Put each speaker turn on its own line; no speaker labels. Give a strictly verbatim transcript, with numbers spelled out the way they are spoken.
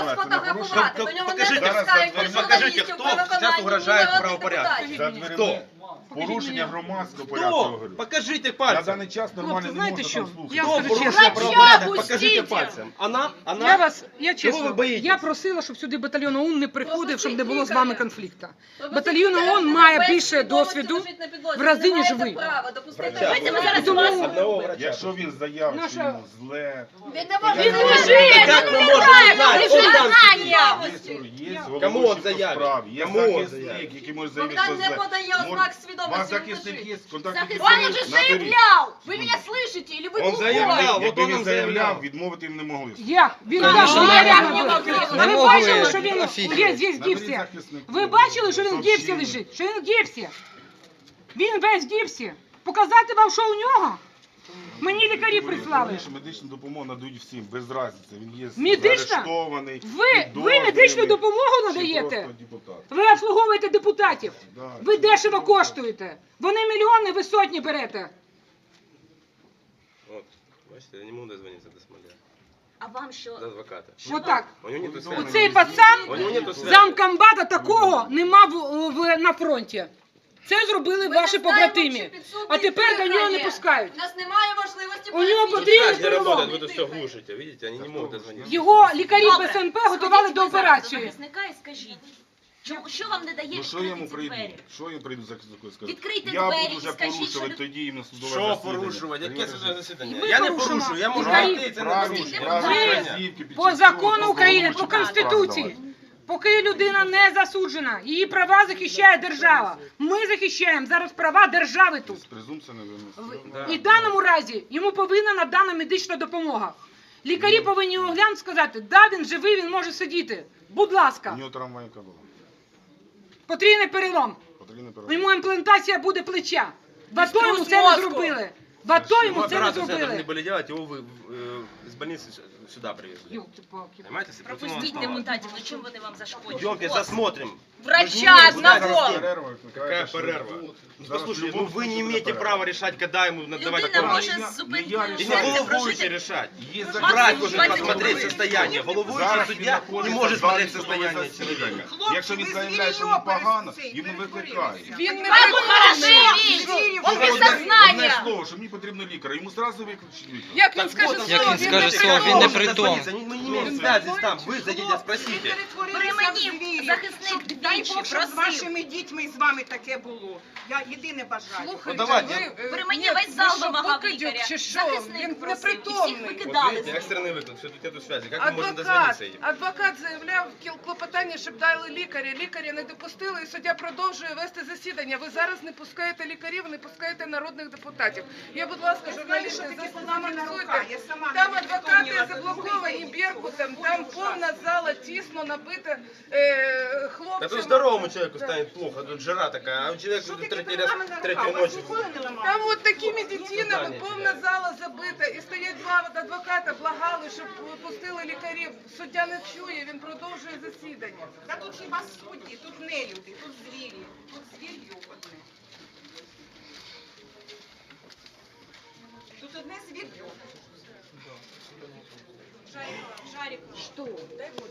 сфотографувати, до нього не пускають журналістів при виконанні народних депутатів.
Хто?
Порушення громадського порядку.
Хто? Покажите
На
пальцем.
даний час нормально не
знаєте
можна
що?
там слухати.
Я
Кто
скажу
порушил
честно.
правопорядок?
Врача
Покажите
пустите.
пальцем. Она? Она?
Я вас, я
Чого ви
чесно,
боїтесь?
я просила, щоб сюди батальйон ОУН не приходив, щоб не було з вами конфлікту.
Тобто
Батальйон ОУН має більше досвіду в рази, ніж ви.
Врача.
Тому
Одного врача.
Якщо він заявить, що
Наша-
йому зле,
Він не може
Він
жити,
Як
ну
ми
не
можемо
правильно,
знати?
ви ж
Он там
знання.
є, є
Кому
головуючий
он
по
заявить?
справі, є
Кому он
захисник,
заявить?
який може заявити,
Богдан
що
не
зле.
подає
Може-
ознак свідомості,
Ваш
він
захисник
лежить.
є, контактні
Он
дані
уже
наберіть.
заявлял! Вы меня слышите? Или вы
Он
глухой?
заявлял.
Якби
от
він
он
заявляв,
заявляв.
відмовити їм не могли.
як? Він
Конечно,
каже,
не
я
можу.
реально
Не
говорю.
можу.
Ви
Не
бачили,
можу,
що він
офігеть.
є здесь в
Наберіть
гіпсі?
захиснику.
Ви бачили, що він в гіпсі
Сообщення.
лежить? Що він в гіпсі? Він весь в гіпсі. Показати вам, що у нього? Мені лікарі прислали.
Раніше медичну допомогу надають всім, без разниці. Він є
Медична?
заарештований,
Ви, ви
підозрюваний,
медичну допомогу
чи
надаєте?
просто депутат.
Ви обслуговуєте депутатів.
Да.
Ви дешево коштуєте. Вони мільйони, ви сотні берете.
От, бачите, я не можу дозвонитися до Смоля.
А вам що?
До адвоката.
Отак.
У нього нету связи.
Оцей пацан,
У нього нету связи.
замкомбата такого нема в, в, на фронті. Це зробили
Ми
ваші
не знаємо,
побратимі.
чи підсудний
А тепер до нього не
дихає.
пускають.
У нас немає можливості
У нього
пояснити.
потрібен
Связь не
перелом.
работает, вы тут все глушите, видите, они не могут дозвониться.
Його лікарі
Добре.
БСНП готували до операції.
Захисника і скажіть, чому- що вам не дає
Ну що я йому
відкрити ці
прийду?
двері?
Що я прийду захиснику і скажу?
Відкрийте
Я
двері
буду
і
вже
скажіть,
порушувати
що-
тоді іменно судове
Що
засідання.
порушувати? Яке судове засідання?
Ми
Я не
порушимо.
порушую, я можу
Правильно,
прийти, це не
Правильно,
порушення.
правильно,
Ви
вказівки під
по
час
закону
цього
України, по
головуючий
Конституції,
справи
поки людина не засуджена, її права захищає держава. Ми захищаємо зараз права держави тут.
давати. Презумпція невинності.
Да.
І в даному разі йому повинна надана медична допомога. Лікарі повинні оглянути, сказати, да, він живий, він може сидіти. Будь
У
ласка,
нього травмайка була.
потрійний перелом.
Потрібно
Йому імплантація буде плеча. В АТО йому це не зробили. В АТо йому це не
Операцию должны
зробили.
были делать, его вы э, из больницы с- сюда привезли.
Ёлки-палки.
Понимаете? с операционного
Пропустіть
стола.
депутатів, ну чим вони вам зашкодять?
Идемте, засмотрим.
Врача одного!
Какая перерва? Ну, послушайте, ну вы не имеете права решать, когда ему надавать
Людина
помощь.
може
Я-
з
не
зупинкою
я
И не
серця
головуючий
прожити.
решать.
Є
Максимум
Врач должен
двадцять
посмотреть
хвилин.
состояние. Головуючий
Зараз він
судья не
знаходиться
может
в залі
смотреть
судового
состояние
засідання.
человека.
Якщо він заявляє, що йому погано, йому викликають.
Він не
Как он
притомний.
хороший, он без
Одне
сознания.
слово, що мені потрібно лікаря, йому одразу викличуть лікаря.
Як він
Так
скаже
вот,
Як
слово,
він
він
скаже
не
слово,
притомний.
він не
Можете
при тому.
дозвониться, Мы мы не имеем связи там. Вы зайдите, спросите.
При мені захисник
Дай
двічі
Бог, щоб з
просив.
вашими дітьми і з вами таке було. Я єдине бажаю.
Ну, давайте.
При мені весь зал вимагав лікаря. Захисник просив. І всіх
Вот
викидали.
видите, экстренный выклад, все тут нету связи. Как мы можем
Адвокат,
дозвониться им?
адвокат заявляв кіл- клопотання, щоб дали лікаря. Лікаря не допустили, і суддя продовжує вести засідання. Ви зараз не пускаєте лікарів, не пускаєте народних депутатів. Я, будь ласка, журналісти, за словами працюйте.
Я сама
Там
не
адвокати
вспомнила,
заблоковані
це
Беркутом, там повна зала, тісно набита е, хлопцями.
Да тут здоровому человеку
Да.
станет плохо, тут жара такая, а у человека
Що
тут
таке
третий
перед
раз,
нами на
третью
руках?
ночь.
Вас ніколи не ламали?
Там от такими дитинами
Питання
повна
тебе.
зала забита. І стоять два адвоката, благали, щоб пустили лікарів. Суддя не чує, він продовжує засідання.
Та тут хіба судді, тут не люди, тут звірі, тут звір'ю одне. Тут одне звір'ю. Жаріко, Жаріко.
Що?
Дай Бог.